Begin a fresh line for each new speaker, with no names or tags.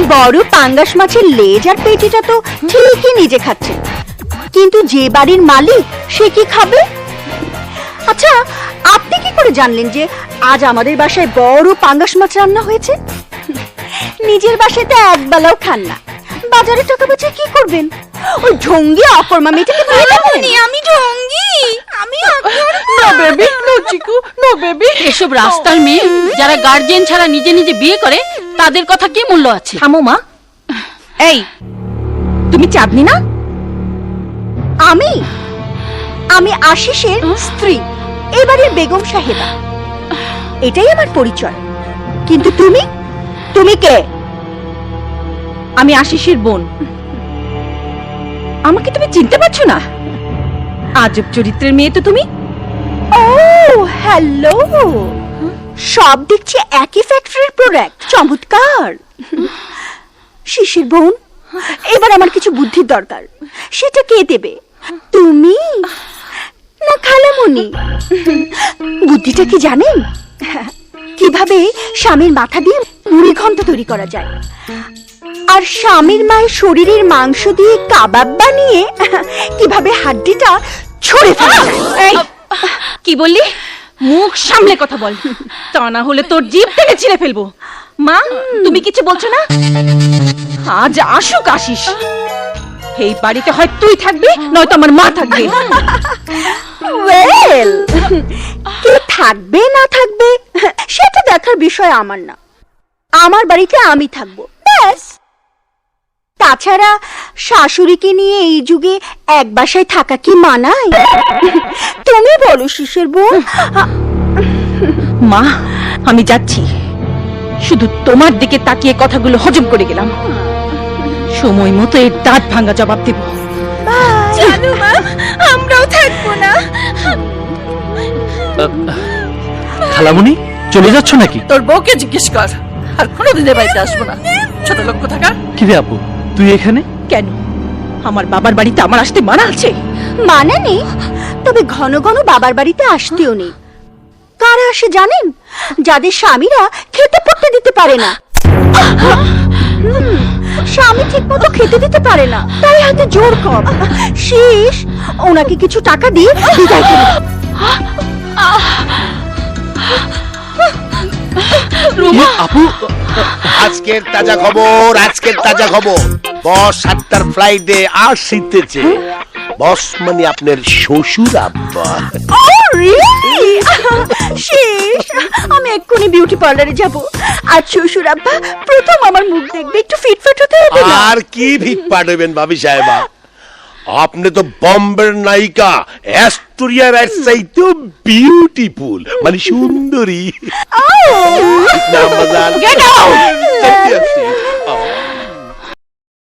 বড় পাঙ্গাস মাছের লেজ আর পেটিটা তো ঠিকই নিজে খাচ্ছে, কিন্তু যে বাড়ির মালিক সে কি খাবে? আচ্ছা, আপনি কি করে জানলেন যে আজ আমাদের বাসায় বড় পাঙ্গাস মাছ রান্না হয়েছে? নিজের বাসায় তো একবেলাও খান না, বাজারে টাকা বাঁচিয়ে কি করবেন? ওই ঢঙ্গি অকর্মা মেয়েটাকে বিয়ে দেবেন?
আমি ঢঙ্গি, আমি
no baby, no Chiku, no baby.
এসব রাস্তার মেয়ে যারা গার্জিয়ান ছাড়া নিজে নিজে বিয়ে করে তাদের কথা কি মূল্য আছে?
থামো মা। এই, তুমি চাঁদনি না?
আমি আমি আশিসের স্ত্রী, এবারের বেগম সাহেবা, এটাই আমার পরিচয়। কিন্তু তুমি তুমি কে?
আমি আশিসের বোন। আমাকে তুমি চিনতে পারছো না? আজব চরিত্রের মেয়ে তো তুমি।
ও হ্যালো, সব দেখছি একই ফ্যাক্টরির প্রোডাক্ট। চমৎকার। শিশির বোন, এবার আমার কিছু বুদ্ধির দরকার। সেটা কে দেবে, তুমি না খালামণি? বুদ্ধিটা কি জানেন? কিভাবে স্বামীর মাথা দিয়ে মুড়ি ঘন্ট তৈরি করা যায়, আর স্বামীর মায়ের শরীরের মাংস দিয়ে কাবাব বানিয়ে কিভাবে হাড্ডিটা ছড়ে ফেলা যায়।
এই, কি বললি? মুখ সামলে কথা বল, তা না হলে তোর জিভ টেনে ছিঁড়ে ফেলবো। মা, তুমি কিছু বলছো না? আজ আসুক আশিস, এই বাড়িতে হয় তুই থাকবি, নয়তো আমার মা থাকবে।
ওয়েল, কে থাকবে না থাকবে সেটা দেখার বিষয় আমার না। আমার বাড়িতে আমি থাকবো, ব্যাস। তাছাড়া শাশুড়িকে নিয়ে এই যুগে এক বাসায় থাকা কি মানায়? তুমি বলো শিশির বোন।
মা, আমি যাচ্ছি। শুধু তোমার দিকে তাকিয়ে কথাগুলো হজম করে গেলাম। সময় মতো এর দাঁত ভাঙা জবাব দেব।
জানো মা, আমরাও থাকবো না।
খালামণি, চলে যাচ্ছ নাকি?
তোর বউকে জিজ্ঞেস কর, আর কোনোদিনের বাড়িতে আসবো না। ছোট লোক কোথাকার।
কিরে আপু, তুই এখানে
কেন? আমার বাবার বাড়িতে আমার আসতে মানা আছে?
মানে নেই, তবে ঘন ঘন বাবার বাড়িতে আসতেও নেই। কারা আসে জানেন? যাদের স্বামীরা খেতে পড়তে দিতে পারে না। স্বামী ঠিক মতো খেতে দিতে পারে না, তাই হাতে জোর কম। শেষ ওনাকে কিছু টাকা দিয়ে বিদায় করে দাও।
আপু,
আজকের তাজা খবর, আজকের তাজা খবর। বস 7টার ফ্লাইটে আসিতেছে। বস মানে আপনার শ্বশুর আব্বা।
Oh, really? শেষ, আমি এক্ষুনি বিউটি পার্লারে যাব। আর শ্বশুর আব্বা প্রথম আমার মুখ দেখবে, একটু ফিটফাট হতে হবে না?
আর কি ভিটপাট হইবেন ভাবি সাহেবা, আপনি তো বম্বের নায়িকা অ্যাস্টোরিয়ার চাইতে বিউটিফুল, মানে সুন্দরী।
Oh!
না, মজার।
Get out!
সত্যি, সত্যি।